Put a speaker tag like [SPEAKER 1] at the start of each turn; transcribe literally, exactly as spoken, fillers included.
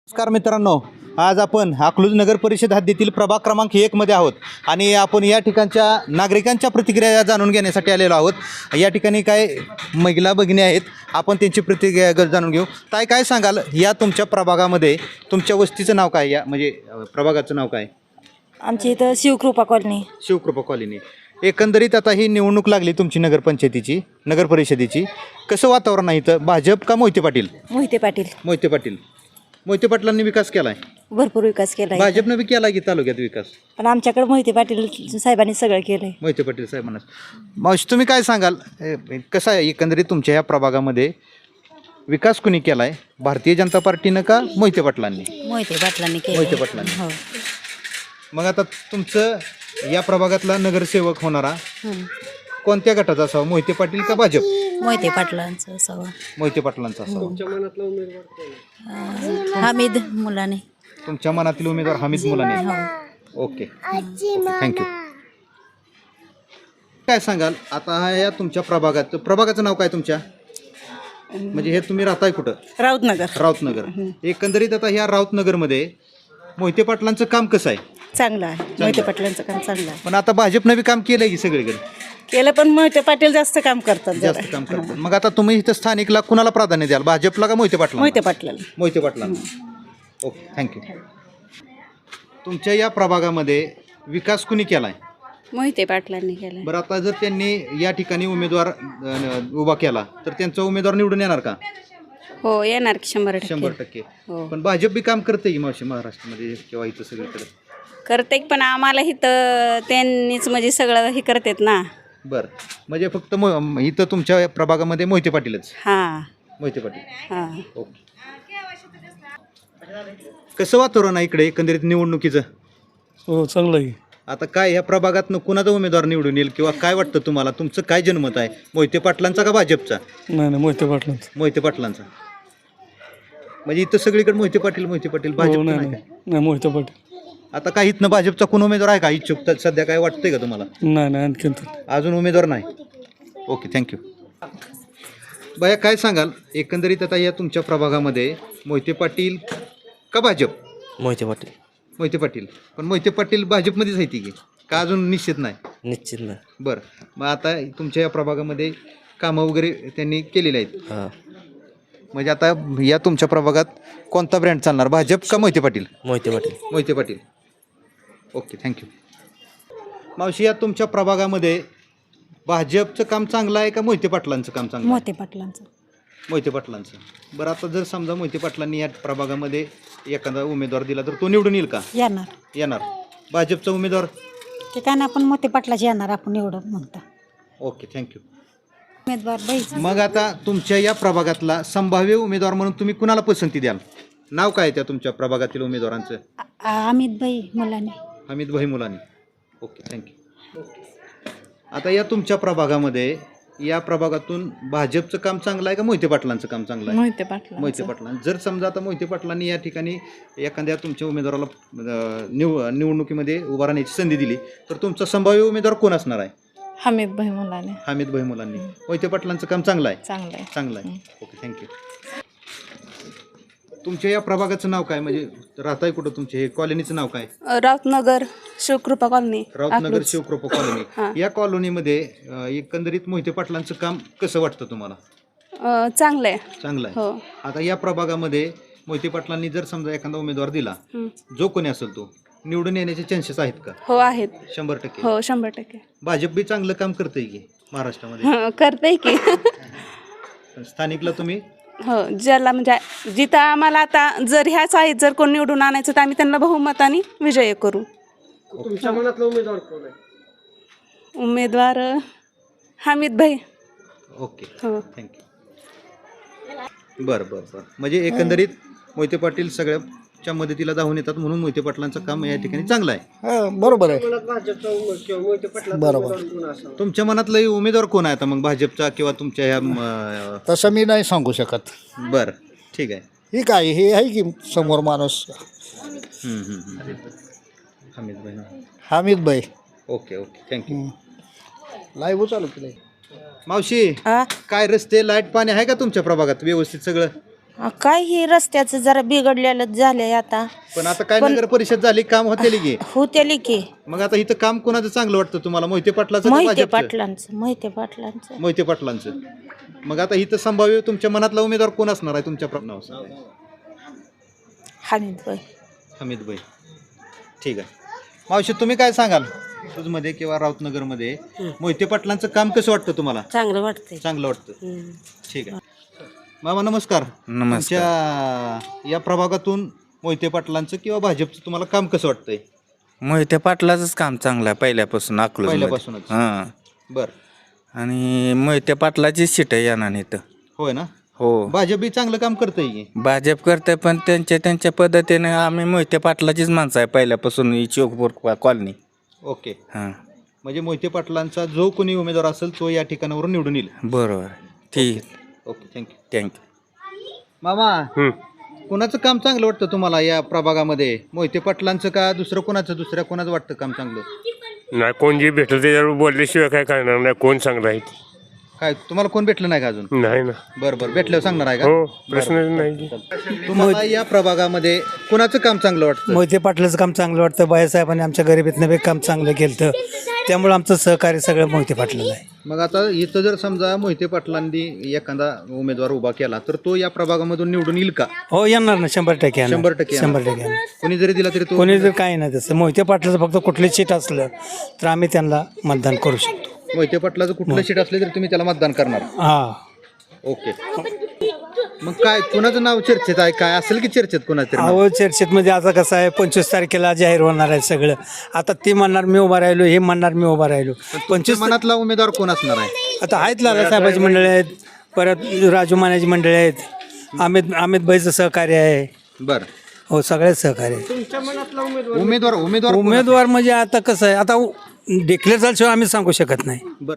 [SPEAKER 1] नमस्कार मित्रांनो, आज आपण अकलूज नगर परिषद हद्दीतील प्रभाग क्रमांक एक मध्ये आहोत आणि आपण या ठिकाणच्या नागरिकांच्या प्रतिक्रिया जाणून घेण्यासाठी आलेलो आहोत। या ठिकाणी काय महिला भगिनी आहेत, आपण त्यांची प्रतिक्रिया जाणून घेऊ। ताई, काय सांगाल, या तुमच्या प्रभागामध्ये तुमच्या वस्तीचं नाव काय, या म्हणजे प्रभागाचं नाव काय?
[SPEAKER 2] आमची इथं शिवकृपा कॉलनी.
[SPEAKER 1] शिवकृपा कॉलनी. एकंदरीत आता ही निवडणूक लागली तुमची नगरपंचायतीची, नगर परिषदेची, कसं वातावरण आहे इथं? भाजप का मोहिते पाटील?
[SPEAKER 2] मोहिते पाटील.
[SPEAKER 1] मोहिते पाटील. मोहिते पाटलांनी विकास केलाय,
[SPEAKER 2] भरपूर विकास केलाय.
[SPEAKER 1] भाजपनं बी केला की तालुक्यात विकास,
[SPEAKER 2] पण आमच्याकडे मोहिते पाटील साहेबांनी सगळं केलंय.
[SPEAKER 1] मोहिते पाटील साहेबांना. मावशी, तुम्ही काय सांगाल, कसं आहे एकंदरीत तुमच्या ह्या प्रभागामध्ये विकास कुणी केलाय, भारतीय जनता पार्टीनं का मोहिते पाटलांनी?
[SPEAKER 2] मोहिते पाटलांनी केलं.
[SPEAKER 1] मोहिते पाटलांनी.
[SPEAKER 2] हो.
[SPEAKER 1] मग आता तुमचं या प्रभागातला नगरसेवक होणारा कोणत्या गटाचा असावा, मोहिते पाटील का भाजप?
[SPEAKER 2] मोहिते पाटलांचं असावं.
[SPEAKER 1] मोहिते पाटलांचा असावा.
[SPEAKER 2] अं, हमीद मुलाने.
[SPEAKER 1] तुमच्या मनातील उमेदवार हमीद मुलाने. Okay, thank you. काय सांगाल आता हा या तुमच्या प्रभागात, प्रभागाचं नाव काय तुमच्या, म्हणजे हे तुम्ही राहताय कुठं?
[SPEAKER 2] राऊतनगर.
[SPEAKER 1] राऊतनगर. एकंदरीत आता ह्या राऊतनगरमध्ये मोहिते पाटलांचं काम कसं आहे?
[SPEAKER 2] चांगलं आहे. मोहिते पाटलांचं काम चांगलं आहे.
[SPEAKER 1] पण आता भाजपनं बी काम केलंय की सगळीकडे
[SPEAKER 2] केलं, पण मोहिते पाटील जास्त काम करतात.
[SPEAKER 1] जास्त काम करतात. मग आता तुम्ही इथं स्थानिकला कुणाला प्राधान्य द्याल, भाजपला का मोहिते पाटला?
[SPEAKER 2] मोहिते पाटलाला.
[SPEAKER 1] मोहिते पाटला. Okay, thank you. तुमच्या या प्रभागामध्ये विकास कुणी केलाय?
[SPEAKER 2] मोहिते पाटलांनी केलं.
[SPEAKER 1] बरं, आता जर त्यांनी या ठिकाणी उमेदवार अ, उभा केला तर त्यांचा उमेदवार निवडून येणार का?
[SPEAKER 2] हो, येणार की शंभर टक्के.
[SPEAKER 1] शंभर टक्के.
[SPEAKER 2] हो.
[SPEAKER 1] पण भाजप बी काम करते की मावशी महाराष्ट्रामध्ये किंवा इथं सगळीकडे?
[SPEAKER 2] करते, पण आम्हाला इथं त्यांनीच म्हणजे सगळं हे करतात ना.
[SPEAKER 1] बरं, म्हणजे फक्त मो इथं तुमच्या प्रभागामध्ये मोहिते पाटीलच?
[SPEAKER 2] हां
[SPEAKER 1] मोहिते पाटील.
[SPEAKER 2] हां.
[SPEAKER 1] ओके. कसं वातावरण आहे इकडे एकंदरीत निवडणुकीचं?
[SPEAKER 3] हो, चांगलं आहे.
[SPEAKER 1] आता काय ह्या प्रभागातनं कुणाचा उमेदवार निवडून येईल किंवा काय वाटतं तुम्हाला, तुमचं काय जनमत आहे, मोहिते पाटलांचा का भाजपचा?
[SPEAKER 3] नाही नाही मोहिते पाटलांचं.
[SPEAKER 1] मोहिते पाटलांचा. म्हणजे इथं सगळीकडे मोहिते पाटील मोहिते पाटील, भाजप
[SPEAKER 3] हो, नाही
[SPEAKER 1] नाही
[SPEAKER 3] नाही
[SPEAKER 1] काय?
[SPEAKER 3] नाही मोहिते पाटील.
[SPEAKER 1] आता काही इथनं भाजपचा कोण उमेदवार आहे का इच्छुक तर सध्या, काय वाटतंय का तुम्हाला?
[SPEAKER 3] नाही नाही आणखीन तर.
[SPEAKER 1] अजून उमेदवार नाही. Okay, thank you. बया, काय सांगाल एकंदरीत आता या तुमच्या प्रभागामध्ये मोहिते पाटील का भाजप?
[SPEAKER 4] मोहिते पाटील.
[SPEAKER 1] मोहिते पाटील. पण मोहिते पाटील भाजपमध्येच आहे ती की का अजून निश्चित नाही?
[SPEAKER 4] निश्चित नाही.
[SPEAKER 1] बरं, मग आता तुमच्या या प्रभागामध्ये कामं वगैरे त्यांनी केलेली आहेत,
[SPEAKER 4] हां.
[SPEAKER 1] म्हणजे आता या तुमच्या प्रभागात कोणता ब्रँड चालणार, भाजप का मोहिते पाटील?
[SPEAKER 4] मोहिते पाटील.
[SPEAKER 1] मोहिते पाटील. Okay, thank you. मावशी, या तुमच्या प्रभागामध्ये भाजपचं काम चांगलं आहे का मोहिते पाटलांचं काम चांगलं आहे?
[SPEAKER 2] मोहिते पाटलांचं.
[SPEAKER 1] मोहिते पाटलांचं. बरं, आता जर समजा मोहिते पाटलांनी या प्रभागामध्ये एखादा उमेदवार दिला तर तो निवडून येईल का?
[SPEAKER 2] येणार.
[SPEAKER 1] येणार. भाजपचा उमेदवार?
[SPEAKER 2] ते काय नाही, आपण मोहिते पाटलाचे येणार, आपण निवडून म्हणता.
[SPEAKER 1] Okay, thank you.
[SPEAKER 2] उमेदवार बाईचा.
[SPEAKER 1] मग आता तुमच्या या प्रभागातला संभाव्य उमेदवार म्हणून तुम्ही कुणाला पसंती द्याल? नाव काय त्या तुमच्या प्रभागातील उमेदवारांचं?
[SPEAKER 2] अमित भाई मुलाने.
[SPEAKER 1] हमीद भाई मुलानी. Okay, thank you. आता या तुमच्या प्रभागामध्ये या प्रभागातून भाजपचं काम चांगलं आहे का मोहिते पाटलांचं काम चांगलं आहे?
[SPEAKER 2] मोहिते पाटला.
[SPEAKER 1] मोहिते पाटलां. जर समजा आता मोहिते पाटलांनी या ठिकाणी एखाद्या तुमच्या उमेदवाराला अ, निव निवडणुकीमध्ये उभा राहण्याची संधी दिली तर तुमचा संभाव्य उमेदवार कोण असणार आहे?
[SPEAKER 2] हमीद भाई मुलाने.
[SPEAKER 1] हमीद भाई मुलांनी. मोहिते पाटलांचं काम चांगलं आहे?
[SPEAKER 2] चांगलं आहे.
[SPEAKER 1] चांगलं आहे. Okay, thank you. तुमच्या या प्रभागाचं नाव काय, म्हणजे राहताय कुठं, तुमचे हे कॉलनीचं नाव काय?
[SPEAKER 5] राऊतनगर शिवकृपा कॉलनी.
[SPEAKER 1] राऊतनगर शिवकृपा कॉलनी. या कॉलनीमध्ये अ, एकंदरीत मोहिते पाटलांचं काम कसं वाटतं तुम्हाला?
[SPEAKER 5] अ, चांगलं आहे.
[SPEAKER 1] चांगलं आहे.
[SPEAKER 5] हो.
[SPEAKER 1] आता या प्रभागामध्ये मोहिते पाटलांनी जर समजा एखादा उमेदवार दिला,
[SPEAKER 5] हं.
[SPEAKER 1] जो कोणी असेल तो निवडून येण्याचे चान्सेस आहेत का?
[SPEAKER 5] हो आहेत.
[SPEAKER 1] शंभर टक्के.
[SPEAKER 5] हो, शंभर टक्के.
[SPEAKER 1] भाजप बी चांगलं काम करतंय की महाराष्ट्रामध्ये?
[SPEAKER 5] हं, करते की.
[SPEAKER 1] पण स्थानिकला तुम्ही?
[SPEAKER 5] हो, ज्याला म्हणजे जिथं आम्हाला आता जर ह्याच आहेत, जर कोण निवडून आणायचं तर आम्ही त्यांना बहुमताने विजय करू.
[SPEAKER 3] तुमच्या मनातला उमेदवार कोण आहे?
[SPEAKER 5] उमेदवार अ, हमीद भाई.
[SPEAKER 1] ओके,
[SPEAKER 5] हो.
[SPEAKER 1] थँक्यू. बरं बरं बरं. म्हणजे एकंदरीत मोहिते पाटील सगळ्याच्या मदतीला धावून येतात म्हणून मोहिते पाटलांचं काम या ठिकाणी चांगलं आहे.
[SPEAKER 3] हां, बरोबर आहे. बरोबर.
[SPEAKER 1] तुमच्या मनातलं उमेदवार कोण आहे आता मग, भाजपचा किंवा तुमच्या ह्या म,
[SPEAKER 3] तसं मी नाही सांगू शकत.
[SPEAKER 1] बरं, ठीक आहे.
[SPEAKER 3] ही काय हे आहे की समोर माणूस
[SPEAKER 1] हम्म, हम्म, हम्म. हमीद भाई.
[SPEAKER 3] हमीद भाई.
[SPEAKER 1] Okay okay, thank you.
[SPEAKER 3] लाईव्ह चालू केलं.
[SPEAKER 1] मावशी, काय रस्ते, लाईट, पाणी आहे का तुमच्या प्रभागात व्यवस्थित सगळं?
[SPEAKER 4] हा, काय ही रस्त्याचं जरा बिघडलेलं झालंय आता.
[SPEAKER 1] पण आता काय नगर परिषद झाली, काम होते की
[SPEAKER 4] होतेली की
[SPEAKER 1] मग आता इथं काम कोणाचं चांगलं वाटतं तुम्हाला, मोहिते पाटलाचं का
[SPEAKER 4] मोहिते
[SPEAKER 1] भाजपचं?
[SPEAKER 4] पाटलांचं मोहिते पाटलांचं
[SPEAKER 1] मोहिते पाटलांचं. मग आता इथं संभाव्य तुमच्या मनातला उमेदवार कोण असणार आहे तुमच्या प्रश्नावर?
[SPEAKER 4] हमीदभाई.
[SPEAKER 1] हमीदभाई. ठीक आहे. मावशी तुम्ही काय सांगाल, मध्ये किंवा राऊतनगरमध्ये मोहिते पाटलांचं काम कसं वाटतं तुम्हाला?
[SPEAKER 4] चांगलं वाटतंय.
[SPEAKER 1] चांगलं वाटतं. ठीक आहे. मामा नमस्कार.
[SPEAKER 6] नमस्कार.
[SPEAKER 1] तुमच्या या प्रभागातून मोहिते पाटलांचं किंवा भाजपचं तुम्हाला काम कसं वाटतंय?
[SPEAKER 6] मोहिते पाटलाचंच काम चांगलं आहे पहिल्यापासून अकलूज
[SPEAKER 1] पहिल्यापासूनच.
[SPEAKER 6] हां.
[SPEAKER 1] बर.
[SPEAKER 6] आणि मोहिते पाटलाची सीट आहे येणार इथं.
[SPEAKER 1] होय ना.
[SPEAKER 6] हो.
[SPEAKER 1] भाजप बी चांगलं काम करतंय की.
[SPEAKER 6] भाजप करते पण त्यांच्या त्यांच्या पद्धतीने आम्ही मोहिते पाटलाचीच माणसं आहे पहिल्यापासून ही चौकपूर कॉलनी.
[SPEAKER 1] ओके.
[SPEAKER 6] हां.
[SPEAKER 1] म्हणजे मोहिते पाटलांचा जो कोणी उमेदवार असेल तो या ठिकाणावरून निवडून येईल.
[SPEAKER 6] बरोबर. ठीक.
[SPEAKER 1] ओके. थँक्यू.
[SPEAKER 6] थँक्यू.
[SPEAKER 1] मामा कोणाचं काम चांगलं वाटतं तुम्हाला या प्रभागामध्ये, मोहिते पाटलांचं का दुसरं कोणाचं, दुसऱ्या कोणाचं वाटतं काम चांगलं?
[SPEAKER 7] नाही, कोण जे भेटलं त्याच्यावर बोलल्याशिवाय काय करणार नाही. कोण चांगलं आहे ते.
[SPEAKER 1] काय तुम्हाला कोण भेटलं नाही का अजून?
[SPEAKER 7] नाही ना.
[SPEAKER 1] बरं बरं, भेटल्यावर सांगणार आहे का?
[SPEAKER 7] हो, प्रश्नच नाही.
[SPEAKER 1] तुम्हाला या प्रभागामध्ये कोणाचं काम चांगलं वाटतं?
[SPEAKER 8] मोहिते पाटलाचं काम चांगलं वाटतं. बाळासाहेबांनी आमच्या गरिबीतनं बी काम चांगलं केलं, त्यामुळे आमचं सहकार्य सगळं मोहिते पाटलाला आहे.
[SPEAKER 1] मग आता इथं जर समजा मोहिते पाटलांनी एखादा उमेदवार उभा केला तर तो या प्रभागामधून निवडून येईल का?
[SPEAKER 8] हो येणार ना, शंभर टक्के येणार.
[SPEAKER 1] शंभर टक्के येणार.
[SPEAKER 8] शंभर टक्के येणार.
[SPEAKER 1] कोणी जरी दिला तरी तो
[SPEAKER 8] कोणी जर काही नाही तसं मोहिते पाटलाचं फक्त कुठली सीट असलं तर आम्ही त्यांना मतदान करू शकतो.
[SPEAKER 1] मोहिते पाटलाचं कुठलं सीट असले तरी तुम्ही त्याला मतदान करणार?
[SPEAKER 8] हा.
[SPEAKER 1] ओके. मग काय कुणाचं नाव चर्चेत आहे, काय असेल की चर्चेत कुणाचं नाव?
[SPEAKER 8] अहो चर्चेतमध्ये आता कसं आहे, पंचवीस तारखेला जाहीर होणार आहे सगळं. आता ते म्हणणार मी उभा राहिलो, हे म्हणणार मी उभा राहिलो. पंचवीस
[SPEAKER 1] मनातला उमेदवार कोण असणार आहे?
[SPEAKER 8] आता आहेत लालासाहेबाची मंडळी आहेत, परत राजू मानेची मंडळी आहेत, अमित अमित भाईचं सहकार्य आहे.
[SPEAKER 1] बरं.
[SPEAKER 8] हो सगळेच सहकार्य आहे.
[SPEAKER 1] उमेदवार उमेदवार
[SPEAKER 8] उमेदवार म्हणजे आता कसं आहे, आता डिक्लेअर झाल्याशिवाय आम्ही सांगू शकत नाही.
[SPEAKER 1] बरं.